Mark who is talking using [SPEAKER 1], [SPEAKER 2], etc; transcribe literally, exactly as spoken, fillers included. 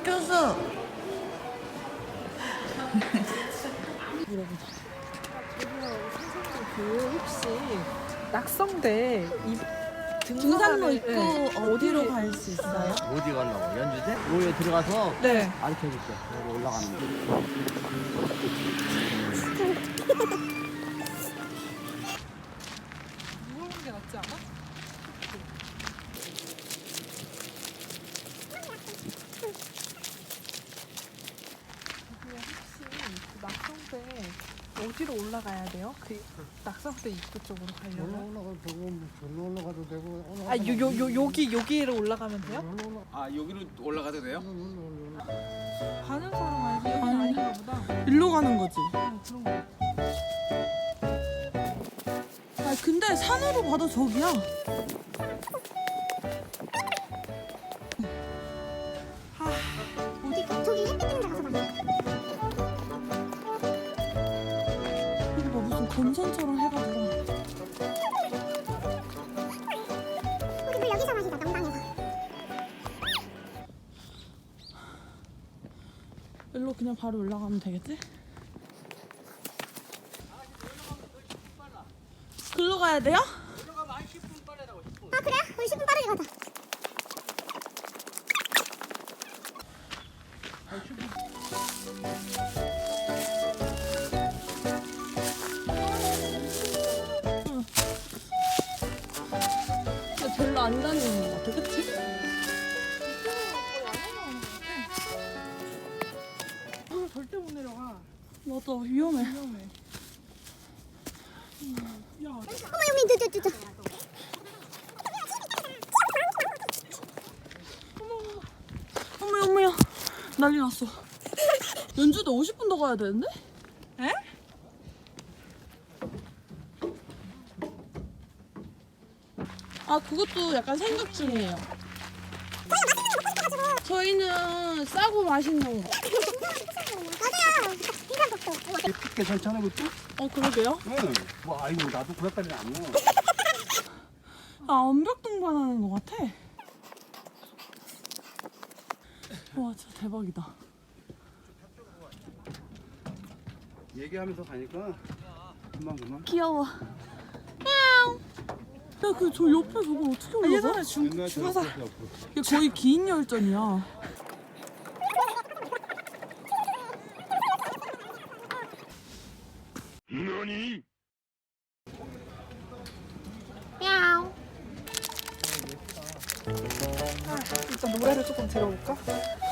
[SPEAKER 1] 교수.
[SPEAKER 2] 물어보자. 저기요, 선생님 그 혹시 낙성대 이
[SPEAKER 1] 등산로
[SPEAKER 2] 등산하는-
[SPEAKER 1] 있고
[SPEAKER 2] 네.
[SPEAKER 1] 어디로 갈 수 있어요?
[SPEAKER 3] 어디 가려고? 연주대? 여기 들어가서
[SPEAKER 2] 네.
[SPEAKER 3] 가르쳐 줄게. 여기 올라가는 거.
[SPEAKER 2] 무거운 게 낫지 않아? 저기요, 혹시 그 낙성대 어디로 올라가야 돼요? 그 낙성대 입구 쪽으로 가려면?
[SPEAKER 4] 올라가도 되고 절로 올라가도 되고
[SPEAKER 2] 아, 요, 요, 요, 여기, 여기로 올라가면 돼요?
[SPEAKER 5] 아 여기로 올라가도 돼요?
[SPEAKER 2] 가는 사람 아니지? 여기 아닌가 보다.
[SPEAKER 1] 일로 가는 거지.
[SPEAKER 2] 어, 그런 거.
[SPEAKER 1] 아 근데 산으로 봐도 저기야.
[SPEAKER 6] 어디 저기 햇빛 있는 데 가서 봐.
[SPEAKER 1] 이거 봐 무슨 건선처럼 해가지고.
[SPEAKER 6] 우리 물 여기서 마시자 명당에서.
[SPEAKER 1] 일로 그냥 바로 올라가면 되겠지? 글로 가야 돼요?
[SPEAKER 6] 아 그래? 우리 십 분 빠르게 가자.
[SPEAKER 1] 근데 별로 안 다니는 것 같아, 그치?
[SPEAKER 2] 이거 절대 못 내려가.
[SPEAKER 1] 맞아, 위험해.
[SPEAKER 2] 위험해. 야,
[SPEAKER 6] 어머 여기 저저저 저.
[SPEAKER 1] 어머야, 어머야. 난리 났어. 연주도 오십 분 더 가야 되는데?
[SPEAKER 2] 에?
[SPEAKER 1] 아, 그것도 약간 생각 중이에요. 저희는 싸고 맛있는 거.
[SPEAKER 6] 맞아요. 인삼국도.
[SPEAKER 4] 괜찮잖아 그것도?
[SPEAKER 1] 어, 그러게요?
[SPEAKER 4] 응. 뭐 아이고 나도 그것까지는 안 먹어.
[SPEAKER 1] 아, 완벽 등반하는 것 같아. 와, 진짜 대박이다.
[SPEAKER 4] 얘기하면서 가니까 금방 금방.
[SPEAKER 1] 귀여워. 야, 그 저 옆에 저걸 어떻게 올라가?
[SPEAKER 2] 예전에 중, 중화사.
[SPEAKER 1] 이게 거의 긴 열전이야.
[SPEAKER 2] 일단 노래를 조금 들어볼까?